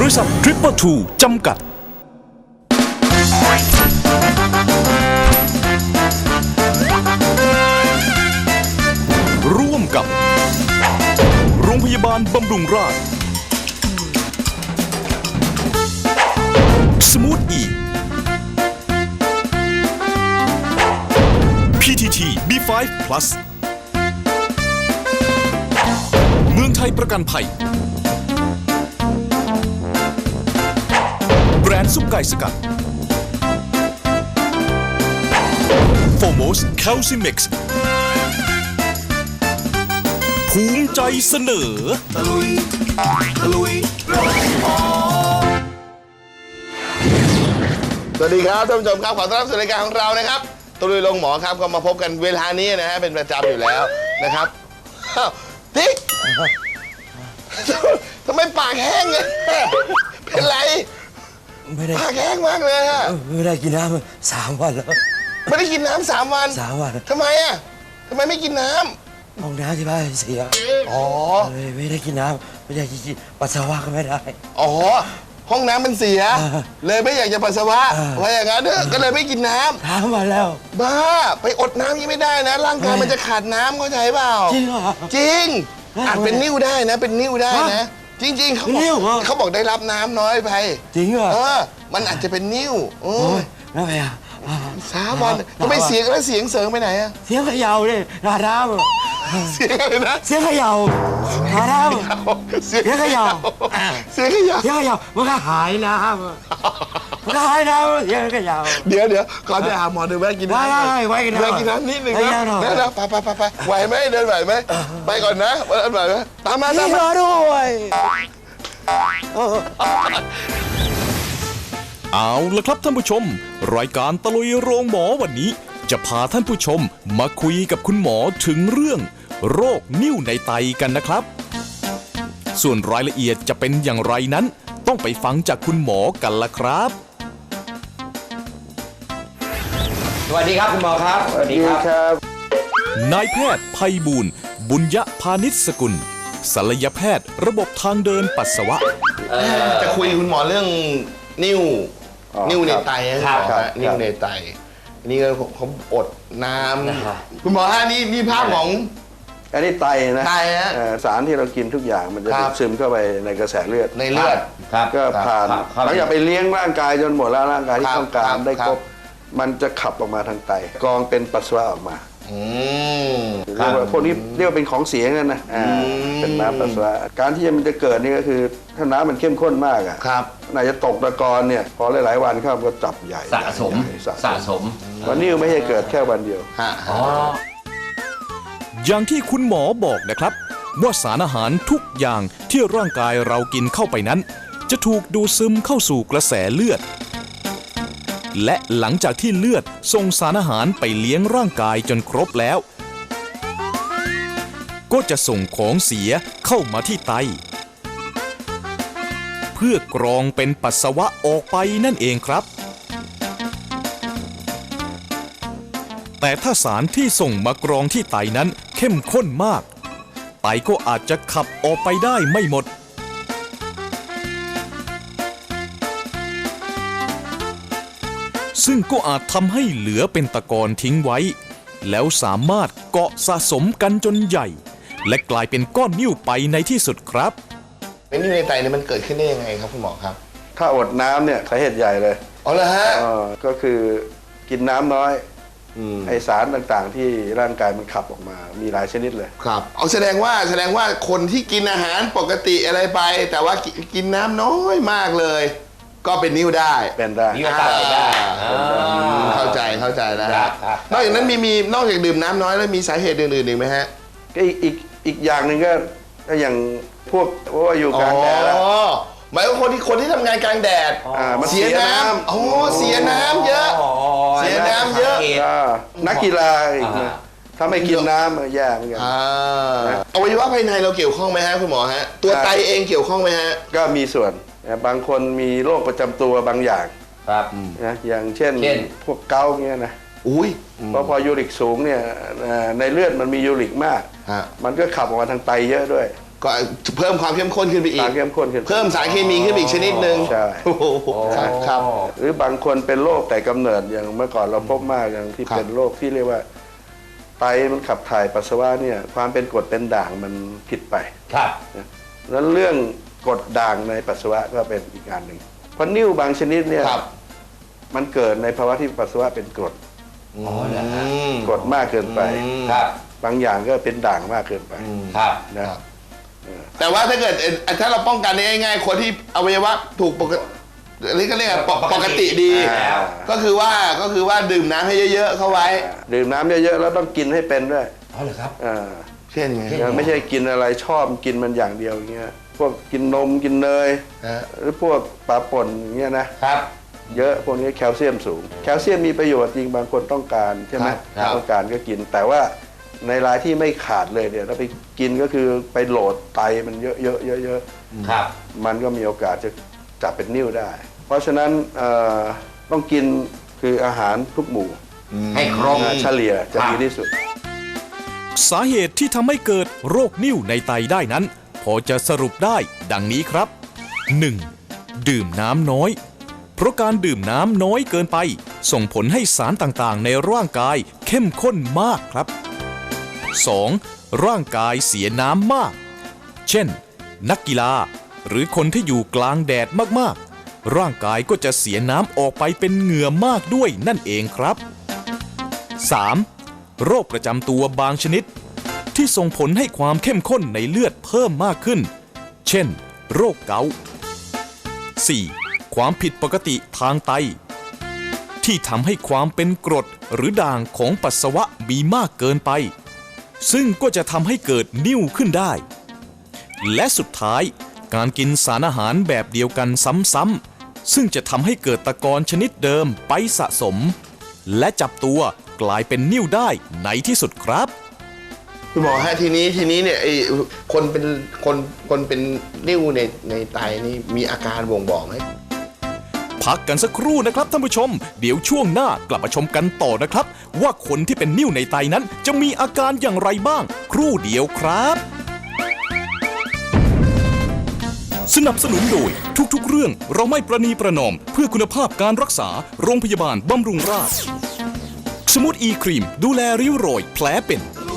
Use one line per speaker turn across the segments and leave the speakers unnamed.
ริษัททริปเปอร์ทูจำกัดร่วมกับโรงพยาบาลบำรุงราษฎร์สมูทอีPTT B5 Plus เมืองไทยประกันภัยแบรนด์ซุปไก่สกัดโฟโมสแคลซิมิกซ์ภูมิใจเสนอตะลุยโรงหมอ
สวัสดีครับท่านผู้ชมครับขอต้อนรับสู่รายการของเรานะครับตะลุยโรงหมอครับก็มาพบกันเวลานี้นะฮะเป็นประจำอยู่แล้วนะครับติ๊กทำไมปากแห้งเนี่ยเป็นไร
ไม่ได้
ปากแห้งมากเลยฮะ
ไม่ได้กินน้ำ3 วันแล้ว
ไม่ได้กินน้ำ3 วันทำไมอ่ะทำไมไม่กินน้
ำห้องน้ำที่บ้านเสีย
อ๋อ
ไม่ได้กินน้ำไม่ได้กินปัสสาวะก็ไม่ได้
อ๋อห้องน้ำมันเสียเลยไม่อยากจะปัสสาวะว่าอย่างนั้นก็เลยไม่กินน้ำ
3 วันแล้ว
บ้าไปอดน้ำยังไม่ได้นะร่างกายมันจะขาดน้ำเข้าใจเปล่า
จริงเหรอ
จริงอาจเป็นนิ่วได้นะเป็นนิ่วได้นะจริงๆเขาบอกได้รับน้ำน้อยไป
จริงเหรอ
มันอาจจะเป็นนิ่ว
แล้วไงอ่ะ
3 วันทำไมเสียงแล้วเสียงเสริงไปไหนอะ
เสียงเขย่าเลยราดน้ำ
เสียงอะไรนะ
เสียงเขย่าราดน้ำเสียงเขย่า
เสียงเขย่า
มันก็หายน้ำเสียงเขย่า
เดี๋ยวก่อนจะหาหมอเดินแวะกินน้ำ
ไว้กิน
น้ำนิดนึงนะไปไหวไหมเดินไหวไหมไปก่อนนะไหวไหมตามมา
ด้วย
เอาละครับท่านผู้ชมรายการตะลุยโรงหมอวันนี้จะพาท่านผู้ชมมาคุยกับคุณหมอถึงเรื่องโรคนิ่วในไตกันนะครับส่วนรายละเอียดจะเป็นอย่างไรนั้นต้องไปฟังจากคุณหมอกันละครับ
สวัสดีครับคุณหมอครับ
สวัสดีครับ
นายแพทย์ไพบูลย์บุญยพานิชสกุลศัลยแพทย์ระบบทางเดินปัสสาวะ
จะคุยคุณหมอเรื่องนิ่วในไตนะครับนิ่วในไตนี่ก็เขาอดน้ำคุณหมอฮะนี่ภาพของ
อันนี้ไตนะ
ไตฮะ
สารที่เรากินทุกอย่างมันจะซึมเข้าไปในกระแสเลือดก็ผ่านหลังจากไปเลี้ยงร่างกายจนหมดแล้วร่างกายที่ต้องการได้ครบมันจะขับออกมาทางไตกรองเป็นปัสสาวะออกมาพวกนี้เรียกว่าเป็นของเสียนั่นนะเป็นน้ำปัสสาวะการที่มันจะเกิดนี่ก็คือถ้าน้ำมันเข้มข้นมากอ่ะน่าจะตกตะกอนเนี่ยพอหลายๆวันเข้าก็จับใหญ่
สะสม
วันนี้ไม่ใช่เกิดแค่วันเดียว
อย่างที่คุณหมอบอกนะครับว่าสารอาหารทุกอย่างที่ร่างกายเรากินเข้าไปนั้นจะถูกดูดซึมเข้าสู่กระแสเลือดและหลังจากที่เลือดส่งสารอาหารไปเลี้ยงร่างกายจนครบแล้วก็จะส่งของเสียเข้ามาที่ไตเพื่อกรองเป็นปัสสาวะออกไปนั่นเองครับแต่ถ้าสารที่ส่งมากรองที่ไตนั้นเข้มข้นมากไตก็อาจจะขับออกไปได้ไม่หมดซึ่งก็อาจทำให้เหลือเป็นตะกอนทิ้งไว้แล้วสามารถเกาะสะสมกันจนใหญ่และกลายเป็นก้อนนิ่วไปในที่สุดครับ
เป็นนิ่วในไตเนี่ยมันเกิดขึ้นได้ยังไงครับคุณหมอครับ
ถ้าอดน้ำเนี่ยสาเหตุใหญ่เลย
อ๋อเหรอฮะ
ก็คือกินน้ำน้อยไอสารต่างๆที่ร่างกายมันขับออกมามีหลายชนิดเลย
ครับเอาแสดงว่าคนที่กินอาหารปกติอะไรไปแต่ว่ากินน้ำน้อยมากเลยก็เป็นนิ่วได้
นิ่วไตได้
เข้าใจนะนอกจากนั้นมีนอกจากดื่มน้ำน้อยแล้วมีสาเหตุอื่นๆอีกไหมฮะ
ก็อีกอย่างหนึ่งก็อย่างพวกอยู่กลางแดด
หมายว่าคนที่ทำงานกลางแดดเสียน้ำเสียน้ำเยอะ
นักกีฬาอีกนะถ้าไม่กินน้ำแย่เหมือนกัน
อวัยวะภายในเราเกี่ยวข้องไหมฮะคุณหมอฮะตัวไตเองเกี่ยวข้องไหมฮะ
ก็มีส่วนบางคนมีโรคประจำตัวบางอย่างนะอย่างเช่นพวกเกาต์เงี้ยนะเพราะพอยูริกสูงเนี่ยในเลือดมันมียูริกมากมันก็ขับออกมาทางไตเยอะด้วย
ก็เพิ่มความเข้มข้นขึ้นไปอี
สาก รเข้มข้นขึ้น
เพิ่มสารเคมีขึ้นไปอีกชนิดหนึ่ง
ใช่
โอ้โหครับ
หรือบางคนเป็นโรคแต่กำเนิดอย่างเมื่อก่อนเราพบมากอย่างที่
ครับ
เป็นโรคที่เรียกว่าไตมันขับถ่ายปัสสาวะเนี่ยความเป็นกรดเป็นด่างมันผิดไป
ครับ
แล้วเรื่องกรดด่างในปัสสาวะก็เป็นอีกอันหนึ่งเพราะนิ่วบางชนิดเนี่ย
ครับ
มันเกิดในภาวะที่ปัสสาวะเป็นกรด
อ๋อเหรอฮะ
กรดมากเกินไป
ครับ
บางอย่างก็เป็นด่างมากเกินไป
ครับ
นะครับ
แต่ว่าถ้าเกิดถ้าเราป้องกันได้ง่ายๆคนที่อวัยวะถูกปกติหรือก็เรียกว่าปกติดี
แล้ว
ก็คือว่าดื่มน้ำให้เยอะๆเข้าไว้
ดื่มน้ำเยอะๆแล้วต้องกินให้เป็นด้วย
อ๋อเหรอครับ
อ่า
เช่นไง
ไม่ใช่กินอะไรชอบกินมันอย่างเดียวอย่างเงี้ยพวกกินนมกินเนย
ฮะ
หรือพวกปลาป่นอย่างเงี้ยนะครับ เยอะพวกนี้แคลเซียมสูง แคลเซียมมีประโยชน์จริงบางคนต้องการใช่ไหม
ครับ
ต้องการก็กิน แต่ว่าในรายที่ไม่ขาดเลยเนี่ยถ้าไปกินก็คือไปโหลดไตมันเยอะ
ครับ
มันก็มีโอกาสจะจับเป็นนิ่วได้ เพราะฉะนั้นต้องกินคืออาหารทุกหมู่
ให้ครบ
เฉลี่ยจะดีที่สุด
สาเหตุที่ทำให้เกิดโรคนิ่วในไตได้นั้น พอจะสรุปได้ดังนี้ครับ 1. ดื่มน้ำน้อย เพราะการดื่มน้ำน้อยเกินไป ส่งผลให้สารต่างๆ ในร่างกายเข้มข้นมากครับ 2. ร่างกายเสียน้ำมาก เช่น นักกีฬา หรือคนที่อยู่กลางแดดมากๆ ร่างกายก็จะเสียน้ำออกไปเป็นเหงื่อมากด้วยนั่นเองครับ 3. โรคประจำตัวบางชนิด ที่ส่งผลให้ความเข้มข้นในเลือดเพิ่มมากขึ้น เช่น โรคเกาต์ 4. ความผิดปกติทางไต ที่ทำให้ความเป็นกรดหรือด่างของปัสสาวะมีมากเกินไป ซึ่งก็จะทำให้เกิดนิ่วขึ้นได้ และสุดท้ายการกินสารอาหารแบบเดียวกันซ้ำๆซึ่งจะทำให้เกิดตะกอนชนิดเดิมไปสะสม และจับตัวกลายเป็นนิ่วได้ในที่สุดครับ
คุณหมอฮะทีนี้เนี่ยไอ้คนเป็นนิ่วในไตนี่มีอาการบ่งบอกไหม
พักกันสักครู่นะครับท่านผู้ชม เดี๋ยวช่วงหน้ากลับมาชมกันต่อนะครับ ว่าคนที่เป็นนิ่วในไตนั้นจะมีอาการอย่างไรบ้าง ครู่เดียวครับ สนับสนุนโดยทุกๆเรื่องเราไม่ประนีประนอมเพื่อคุณภาพการรักษาโรงพยาบาลบำรุงราษฎร์สมูทอีครีมดูแลริ้วรอยแผลเป็น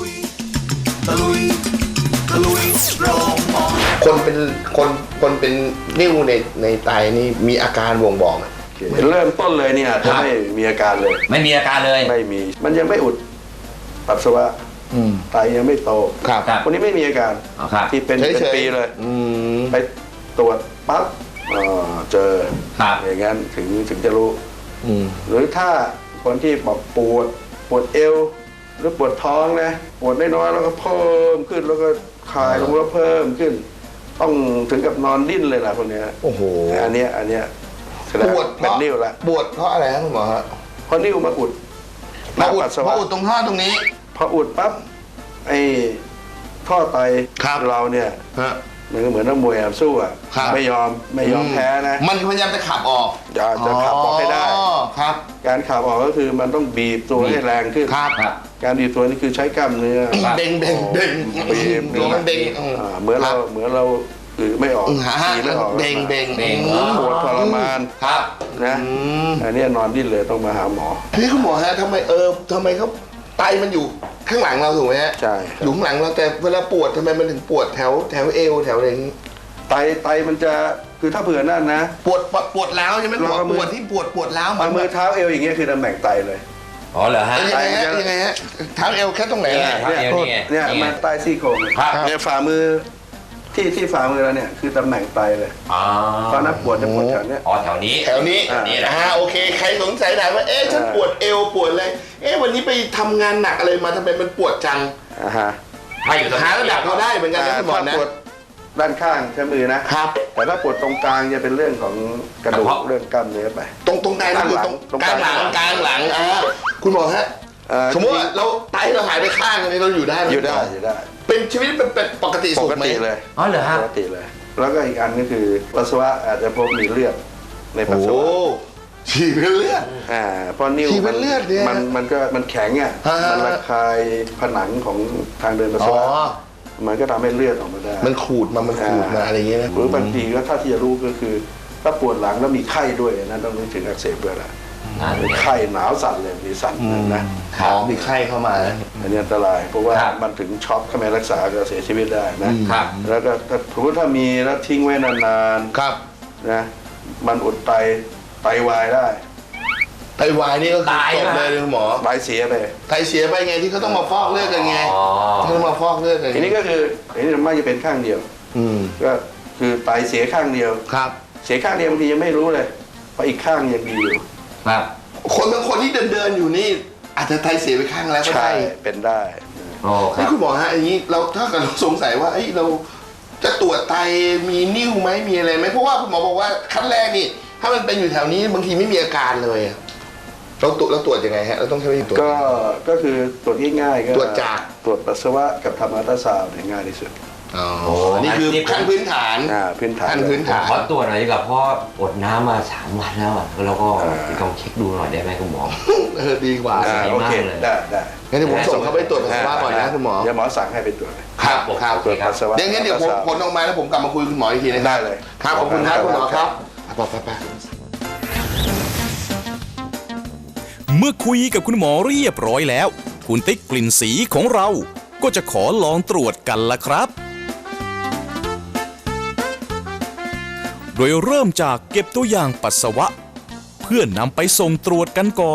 คนเป็นนิ่วในไตนี่มีอาการบ่งบอกไหม
เริ่มต้นเลยเนี่ยจะไม่มีอาการเลย
ไม่มีอาการเลย
ไม่มี มันยังไม่อุดปัสสาวะไตยังไม่โต
ครับ
คนนี้ไม่มีอาการ
อ๋อครับ
ที่เป็น
เฉยๆ
เป็นปีเลยไปตรวจปั๊บเจอ
ครับ
อย่างนั้นถึงจะรู้ หรือถ้าคนที่บอกปวดเอว หรือปวดท้องนะปวดน้อยๆแล้วก็เพิ่มขึ้นแล้วก็คลายลงแล้วเพิ่มขึ้น ต้องถึงกับนอนดิ้นเลยล่ะคนเนี้ย
โอ้โห
อันเนี้ยแสดง
ปวด
ว่าเป็นนิ่วละ
ปวดเพราะอะไรครับคุณหมอฮะ
เพราะนิ่วมาอุด
มาอุด
ปัสสาวะ
มาอุดตรงท่อตรงนี้
พออุดปั๊บไอ้ท่อไต
ครับ
เราเนี่ย
ฮะ
มันก็เหมือนนักมวยสู้อ่ะ
ครับ
ไม่ยอมแพ้นะ
มันพยายามจะขับออก
จะขับออกให้ได้
ครับ
การขับออกก็คือมันต้องบีบตัวให้แรงขึ้น
ครับ
การบีบตัวนี่คือใช้กล้ามเนื้อ
เบ่งตัวมันเบ่ง
เหมือนเราไม่ออก
ฮะ
ฉี่ไม่ออก
เบ่ง
ปวดทรมาน
ครับ
นะอันนี้นอนดิ้นเลยต้องมาหาหมอ
พี่คุณหมอฮะทำไมเขาไตมันอยู่ข้างหลังเราถูกไหมฮะ
ใช่ครับ
อยู่ข้างหลังเราแต่เวลาปวดทำไมมันถึงปวดแถวเอวแถวอะไรอย่างนี้
ไตมันจะคือถ้าเผื่อนั่นนะ
ปวดร้าวใช่ไหม
เราเอามือ
ปวดที่ปวดร้าว
เอามือเท้าเอวอย่างเงี้ยคือตำแหน่งไตเลย
อ๋อเหรอฮะ
ยังไงฮะเท้าเอวแค่ตรงไหน
เนี่ย
ฮะ
ครับ
เนี่ย
เอวนี่ไง
เนี่ย
นี่ไง
มาใต้ซี่โครง
ครับ
เนี่ยฝ่ามือที่ฝ่ามือเราเนี่ยคือตำแหน่งไตเลย
อ๋อ
ตอนนั้นปวดจะปวดแถวเนี้ย
อ๋อแถวนี้
แถวนี้
นี่นะ
โอเคใครสงสัยถามว่าฉันปวดเอวปวดอะไรวันนี้ไปทำงานหนักอะไรมาทำไมมันปวดจัง
ถ้าอยู่ตรง
หาระดับเราได้เหมือนกันนะคุณหมอ
ถ้า
นะ
ปวดด้านข้างใช้มือนะครับ แต่ถ้าปวดตรงกลางจะเป็นเรื่องของกระดูกเรื่องกล้ามเนื้อไป
ตรงกลางนี่คือตรงกลางหลังคุณหมอฮะสมมติว่าเราไตเราหายไปข้างนี้เราอยู่ได้ไหม
อยู่ได้
เป็นชีวิตเป็นปกติ
ป
สุข
ก
ไหม
ติเลย
อ๋อเหรอฮะ
ปกติเลย แล้วก็อีกอันก็คือปัสสาวะอาจจะพบมีเลือดในปัสสาวะ
ฉี่เป็นเลือด
เพราะนิ้ว
ฉี่เป็นเลือดเนี่ย
มันแข็งอ่ะ
ฮะ
มันระคายผนังของทางเดินปัสสาวะมันก็ทำให้เลือดออกมาได้
มันขูดมาอะไรอย่างเงี้ยนะ
หรือบางทีก็ถ้าที่จะรู้ก็คือถ้าปวดหลังแล้วมีไข้ด้วยนะต้องนึกถึงอักเสบเบื่อละไข้หนาวสั่นเลยมีสั่นนะ
มีไข้เข้ามาแล้ว
อันนี้อันตรายเพราะว่ามันถึงช็อกถ้าไม่รักษาก็เสียชีวิตได้นะแล้วก็ถ้ามีแล้วทิ้งไว้นานๆ
ครับ
นะมันอุดไตวายได้
ไตวายนี่ก็คือจบเลยคุณหมอ
ไตเสียไป
ไตเสียไปไงที่เขาต้องมาฟอกเลือดกันไงที่ต้องมาฟอกเลือดกัน
ทีนี้ก็คืออันนี้มันจะเป็นข้างเดียวก็คือไตเสียข้างเดียว
ครับ
เสียข้างเดียวบางทียังไม่รู้เลยเพราะอีกข้างยังดีอยู่
ครับ
คนบางคนที่เดินอยู่นี่อาจจะไตเสียไปข้างแล้วก็
ใช่
ได้
เป็นได้
โอ้ค
นี่
รับ
คุณหมอฮะอย่างนี้เราถ้าเกิดเราสงสัยว่าเราจะตรวจไตมีนิ่วไหมมีอะไรไหมเพราะว่าคุณหมอบอกว่าขั้นแรกนี่ถ้ามันเป็นอยู่แถวนี้บางทีไม่มีอาการเลยเราตรวจยังไงฮะเราต้องใช้วิธีตรวจ
ก็คือตรวจง่ายๆก็
ตรวจจาก
ตรวจปัสสาวะกับทำอัลตราซาวด์เนี่ยง่ายที่สุด
นี่คือขั้นพื้นฐาน
พื้นฐาน
ขั้นพื้นฐาน
ขอตรวจหน่อยดีกว่าเพราะอดน้ำมา3 วันแล้วอ่ะแล้วก็ลองเช็คดูหน่อยได้ไหมคุณหมอ
ดีกว่า
โอเคได้ได้
งั้นเดี๋ยวผมส่งเขาไปตรวจปัสสาวะก่อนนะคุณหมอ
เดี๋ยวหมอสั่งให้ไปตรวจเลย
ครับ
ตรวจปัสสาวะ
เดี๋ยวงั้นเดี๋ยวผลออกมาแล้วผมกลับมาคุยกับคุณหมออีกทีนะครับ
ได้เลย
ครับขอบคุณครับคุณหมอครับไป
เมื่อคุยกับคุณหมอเรียบร้อยแล้ว คุณติ๊กกลิ่นสีของเราก็จะขอลองตรวจกันละครับ โดยเริ่มจากเก็บตัวอย่างปัสสาวะ เพื่อนำไปส่งตรวจกันก่อน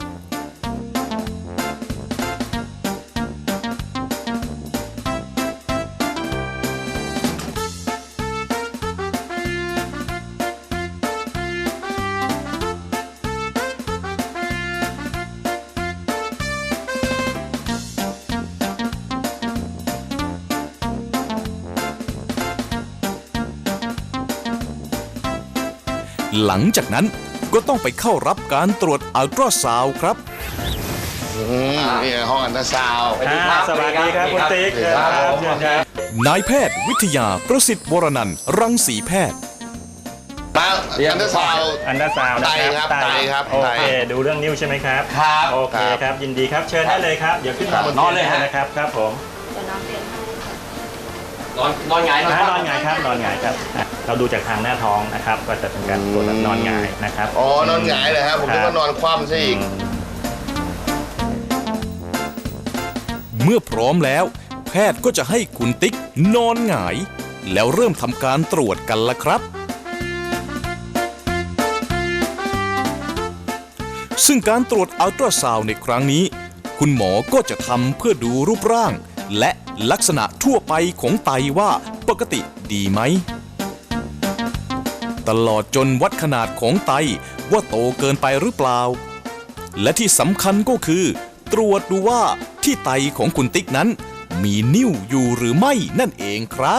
หลังจากนั้นก็ต้องไปเข้ารับการตรวจอัลตราซาวด์ครับ
นี่ห้องอัลตราซาวด์
สวัสดีครับคุณติ๊ก
ครับผม
เชิญครับ
นายแพทย์วิทยาประสิทธิ์วรนันท์รังสีแพทย์
มาอัลตราซาวด์
อันดาซาวน์นะ
ไตครับไตครับ
โอเค ดูเรื่องนิ้วใช่ไหมครับ
ครับ
โอเคครับ ยินดีครับ เชิญได้เลยครับ เดี๋ยวขึ้นมาบน
นอนเลยฮะ
นะครับ ครับผม
นอนหงาย
นอนหงายครับ นอนหงายครับอ่ะเราดูจากทางหน้าท้องนะครับ ก็จะเป็นการตรวจแบบนอนหงายนะครับ
อ๋อนอนหงายเลยครับผมนึกว่านอนคว่ำซะอีก
เมื่อพร้อมแล้ว แพทย์ก็จะให้คุณติ๊กนอนหงาย แล้วเริ่มทำการตรวจกันละครับ ซึ่งการตรวจอัลตราซาวด์ในครั้งนี้ คุณหมอก็จะทำเพื่อดูรูปร่าง และลักษณะทั่วไปของไตว่าปกติดีไหม ตลอดจนวัดขนาดของไตว่าโตเกินไปหรือเปล่า และที่สำคัญก็คือ ตรวจดูว่าที่ไตของคุณติ๊กนั้น มีนิ่วอยู่หรือไม่นั่นเองครับ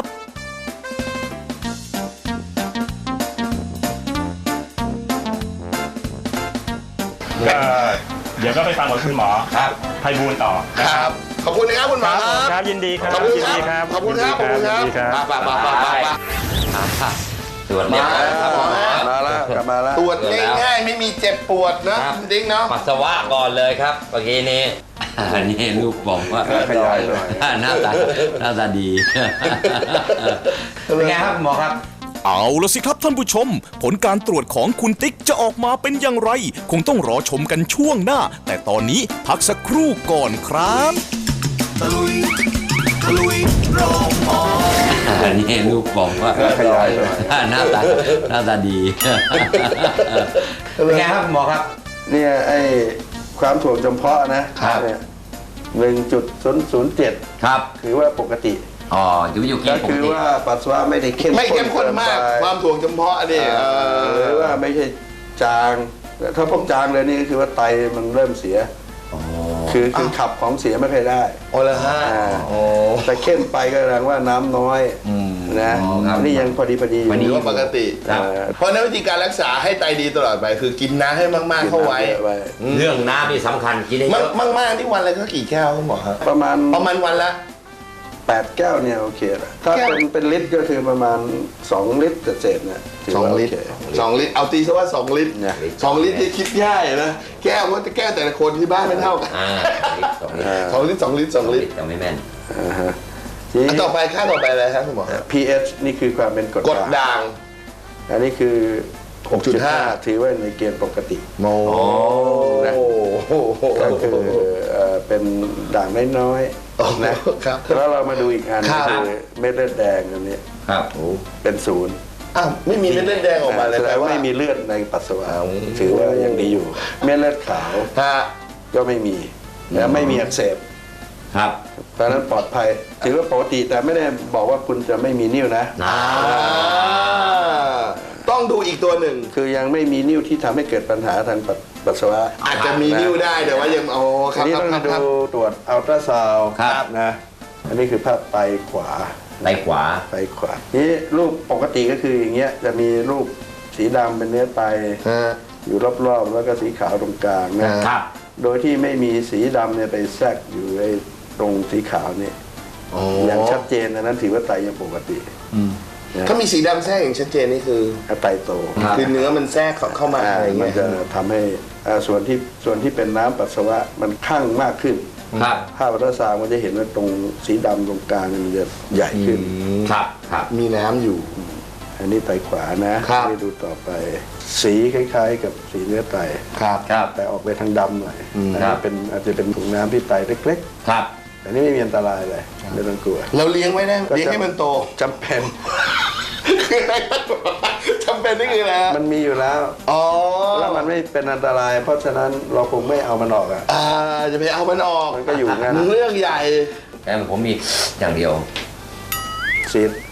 ก็เดี๋ยวก็ไปฟังกับคุณหมอ
ครับ
ไพบูลย์ต่อ
ครับ ขอบคุณนะครับคุณหมอครับ
ครับยินดีครับ
ขอบคุณ
ยิน
ครั
ดี
บ
ครับ
ขอบคุณครับ ขอบคุณครับ
ยินดีครับ
ไป
ตรวจเรียบร้อยแล้วครับหมอ
มาแล้วกลับมาแล้ว
ตรวจง่ายๆไม่มีเจ็บปวดนะคุณติ๊กเนาะ
ปัสสาวะก่อนเลยครับเมื่อกี้นี้นี่ลูกบอกว่า
ขยายหน่อย
หน้าตาดีเป็นไงครับหมอครับ
เอาละสิครับท่านผู้ชม ผลการตรวจของคุณติ๊กจะออกมาเป็นอย่างไร คงต้องรอชมกันช่วงหน้า แต่ตอนนี้พักสักครู่ก่อนครับ
นี่ลูกบอกว่า
ขยายหน่อย
หน้าตาดีเป็นไงครับหมอครับ
เนี่ยไอ้ความถ่วงจำเพาะนะครับ เนี่ย1.007
ครับ
คือว่าปกติ
อ๋ออยู่เก
ก็
ณฑ์ปก
คือ
ติ
ว่าปัสสาวะไม่ได้เข้ม
ไม่เข้มข้นมาก
เกินไป
ความถ่วงจำเพาะนี่
หรือว่าไม่ใช่จางถ้าพวกจางเลยนี่ก็คือว่าไตมันเริ่มเสีย คือขับของเสียไม่เคอยได้
โอ้ละฮะ
โอ้แต่เข้มไปก็แสดงว่าน้ำน้อยนะ
อ๋อครับ
นี่ยังพอดีอยู่
หรือว่าปกติ
ครับ
เพราะนั้นวิธีการรักษาให้ไตดีตลอดไป คือกินน้ำให้มากๆเข้าไว้
เรื่องน้ำนี่สำคัญกินให้เยอะ
มากๆที่วันละก็กี่แก้วคุณหมอครับ
ประมาณ
วันละ
8 แก้วเนี่ยโอเคละถ้า
แก้ว
เป็นลิตรก็คือประมาณ2 ลิตรเศษๆเนี่ยถืว่า
2 ลิตร
โอเค
2 ลิตร เอาตีซะว่า 2 ลิตร
เนี่ย
2 ลิตรที่คิดง่ายนะ แก้วว่าแก้วแต่ละคนที่บ้านไม่เท่ากัน
2 ลิตร
2 ลิตร 2 ลิตร 2 ลิตร
แต่ไม่แม่น
อ่าฮะ
อันต่อไปค่าต่อไปอะไรครับคุณหมอ
pH นี่คือความเป็นกรด
กดด่าง
อันนี้คือ
6.5
6.5 ถือว่าในเกณฑ์ปกติ
โอ้
ก็คือเป็นด่างน้อยๆนะครับ แล้วเรามาดูอีกอัน
ครับ
คือเม็ดเลือดแดงอันนี้
ครับ
เป็นศูนย์
อ้าวไม่มีเม็ดเลือดแดงออกมาเลย
แสด
แปล
งว่า
ว่า
ไม่มีเลือดในปัสสาวะถือว่ายังดีอยู่ เม็ดเลือดขาว
ฮะ
ก็ไม่มีและไม่มีอักเสบ
ครับ
เพราะฉะนั้นปลอดภัยถือว่าปกติแต่ไม่ได้บอกว่าคุณจะไม่มีนิ่วนะ
ต้องดูอีกตัวหนึ่ง
คือยังไม่มีนิ่วที่ทำให้เกิดปัญหาทางปัสสาวะ
อาจจะมีนิ้วได้แต่ว่ายังค
อั
รับ
นนี้
ครับ
ต้อง
ครับ
ดูตรวจอัลตราซาวด์
ครับ
นะอันนี้คือภาพไตขวา
ไตขวา
ไตขวานี่รูปปกติก็คืออย่างเงี้ยจะมีรูปสีดำเป็นเนื้อไต
ฮะ
อยู่รอบๆแล้วก็สีขาวตรงกลางนะครับ โดยที่ไม่มีสีดำเนี่ยไปแทรกอยู่ไอ้ตรงสีขาวเนี่ยอย่างชัดเจนอันนั้นถือว่าไตยังปกตินะ
ถ้ามีสีดำแทรกอย่างชัดเจนนี่คือ
ไตโต
คือเนื้อมันแทรกเข้ามาอะไร
มั
เงี้
น
ย
จะทำให้ส่วนที่เป็นน้ำปัสสาวะมันข้างมากขึ้น
ครับ
ภาพอัลตราซาวด์มันจะเห็นว่าตรงสีดำตรงกลางมันจะใหญ่ขึ้น
ครับ ครับ
มีน้ำอยู่
อันนี้ไตขวานะครับ ไปดูต่อไป สีคล้ายๆ กับสีเนื้อไต
ครับ
ครับ
แต่ออกไปทางดำหน่อย
ครับ
อาจจะเป็นถุงน้ำที่ไตเล็ก
ครับ
ๆแต่นี่ไม่มีอันตรายเลยไม่ต้องกลัว
เราเลี้ยงไว้ได้เลี้ยงให้มันโต
จำเป็น
คืออะไรครับจำเป็นนี่คืออะไรฮะ
มันมีอยู่แล้ว
อ๋อ
แล้วมันไม่เป็นอันตราย เพราะฉะนั้นเราคงไม่เอามันออกอ่ะ
จะไปเอามันออก
มันก็อยู่งั้น
เรื่องใหญ่
แต่ผมมีอย่างเดียว
ซีด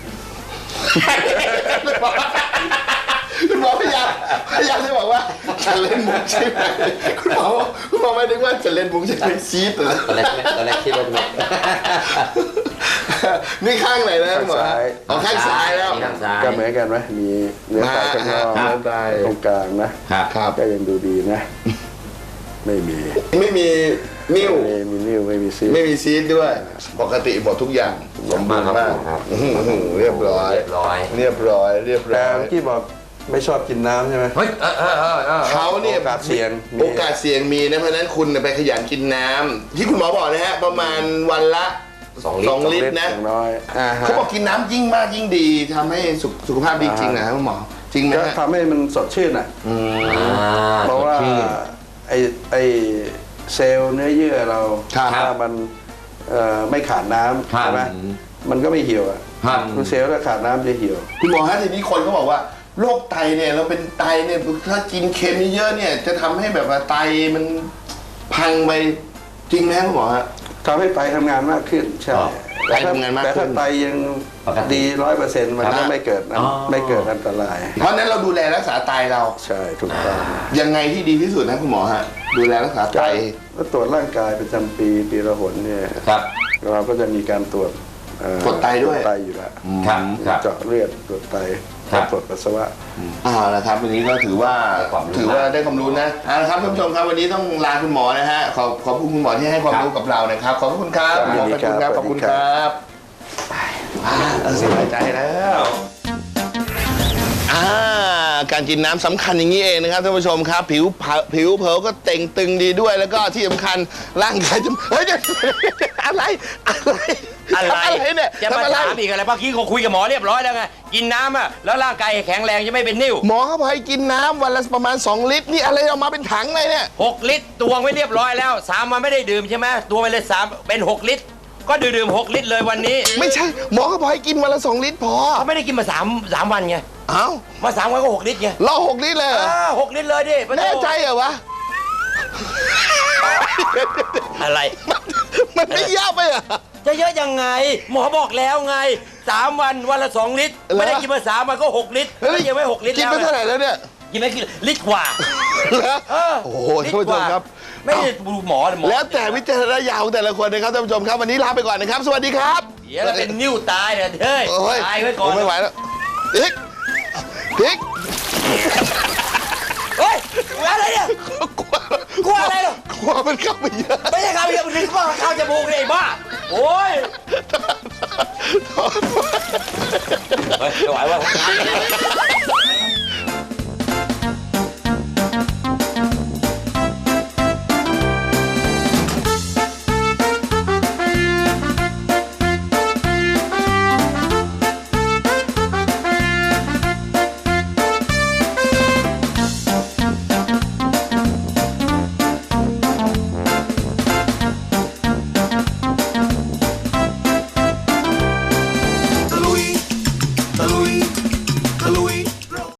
คุณหมอพยายามจะบอกว่าจะเล่นมุกใช่ไหมคุณหมอไม่นึกว่าจะเล่นมุกใช่ไหมซีดเหรอ
ตอนแรกคิดว่าจะ
นี่ข้างไหนนะคุณหมออ๋อข้างซ้ายแล้ว
ข้างซ้าย
ก็เหมือนกันไหมมีเนื้อไตข้างนอก
ครับ
เนื้อไตตรงกลางนะครับ ก็ยังดูดีนะ ไม่มี
ไม่มีนิ้ว
ไม่มีนิ้วไม่มีซีด
ไม่มีซีดด้วย ปกติหมดทุกอย่างสมบูรณ์มาก
ครับ
เรียบร้อย
เรียบร้อย
เรียบร้อย
แต่เมื่อกี้บอกไม่ชอบกินน้ำใช่ไหม
เฮ้ย
เขาเนี่ย
โอกาสเสี่ยงมี
โอกาสเสี่ยงมีนะเพราะฉะนั้นคุณไปขยันกินน้ำที่คุณหมอบอกนะฮะประมาณวันละ
2 ลิตร
2 ลิตรนะ
อย่างน้อยฮะ
เขาบอกกินน้ำยิ่งมากยิ่งดีทำให้สุขภาพดีจริงนะครับคุณหมอจริงไหม
ก็
ฮะ
ทำให้มันสดชื่นอ่ะ เพราะว่าไอเซลล์เนื้อเยื่อเรา
ครับ
ถ้ามันไม่ขาดน้ำ
ครับ
ใช่ไหมมันก็ไม่เหี่ยวอ่ะ
ครับ
คือเซลล์ถ้าขาดน้ำจะเหี่ยว
คุณหมอฮะทีนี้คนเขาบอกว่าโรคไตเนี่ยเราเป็นไตเนี่ยถ้ากินเค็มเยอะๆเนี่ยจะทำให้แบบว่าไตมันพังไปจริงไหมครับคุณหมอฮะ
ทำให้ไตทำงานมากขึ้นใช่
อ๋อ
ไตทำงานมากขึ้น
แต่ถ้าไตยัง
ปกติ
ดี100%มันก็ไม่เกิด
อ๋อ
ไม่เกิดอันตราย
เพราะฉะนั้นเราดูแลรักษาไตเรา
ใช่ถูกต้อง
ยังไงที่ดีที่สุดนะคุณหมอฮะดูแลรักษาไต
แล้วตรวจร่างกายประจำปีละหนเนี่ย
ครับ
เราก็จะมีการตรวจ
ตรวจไตด้วย
ตรวจไตอยู่แล้ว
ครับครับ
เจาะเลือดตรวจไต
ครับ
ตรวจปัสสาวะ
ละครับวันนี้ก็ถือว่า
ความรู้
ถือว่าได้ความรู้นะเอาละครับท่านผู้ชมครับวันนี้ต้องลาคุณหมอนะฮะขอบคุณคุณหมอที่ให้ความรู้กับเรานะครับขอบคุณครับ
ครับ
หมอขอบคุณครับ
ยินดีครับ
ขอบคุณครับสบายใจแล้วการกินน้ำสำคัญอย่างนี้เองนะครับท่านผู้ชมครับผิวเผลอก็เต่งตึงดีด้วยแล้วก็ที่สำคัญร่างกายจะเฮ้ยเดี๋ยวอะไรเนี่ย
จะมา
ทำอะไร
ถามอีกอะไรเมื่อกี้เขาคุยกับหมอเรียบร้อยแล้วไงกินน้ำอ่ะแล้วร่างกายแข็งแรงจะไม่เป็นนิ่ว
หมอเขาบอกให้กินน้ำวันละประมาณ2 ลิตรนี่อะไรออกมาเป็นถังเลยเนี่ย
6 ลิตรตวงไว้เรียบร้อยแล้ว3 วันไม่ได้ดื่มใช่ไหมตวงไปเลย3เป็น6 ลิตร ก็ดื่ม6 ลิตรเลยวันนี้
ไม่ใช่หมอเขาบอกให้กินวันละ2 ลิตรพอ
เขาไม่ได้กินมา3 วันไง
เอ้า
มา3 วันก็6 ลิตรไง
รอ6 ลิตรเลยเหรอ
6 ลิตรเลยดิปะโถ
แน่ใจเหรอวะ
อะไร
มันไม่ยากไปเหรอ
จะเยอะยังไง หมอบอกแล้วไง3 วันวันละ 2 ลิตร
เหรอ
ไม่ได้กินมา3 วันก็6 ลิตรไม่ยังไม่6 ลิตร
กิน
แล้ว
ไปเท่าไหร่แล้วเนี่ย
กินไม่กินลิตรกว่า
เหรอ
เออ
โอ้โห
ลิต
ท่านผู้ชม
กว่
ครับ
ไม่ได้ดูหมอ
แล้วแต่วิจารณญาณของแต่ละคนนะครับท่านผู้ชมครับวันนี้ลาไปก่อนนะครับ สวัสดีครับ
เดี๋ยวเราเป็นนิ่วตายเนี่ยเฮ้ย
โอ้ย
ตายไว้ก่อน
ผมไม่ไหวแล้วอีก
เฮ้ยกลัวอะไรเนี่ย กลัวอะไรเหรอ
กลัวมันเข้าไปเยอะ
ไม่ใช่ข้าวเยอะมันถึงข้าวจมูกเลยไอ้บ้า โอ้ย เฮ้ยไม่ไหวว่ะ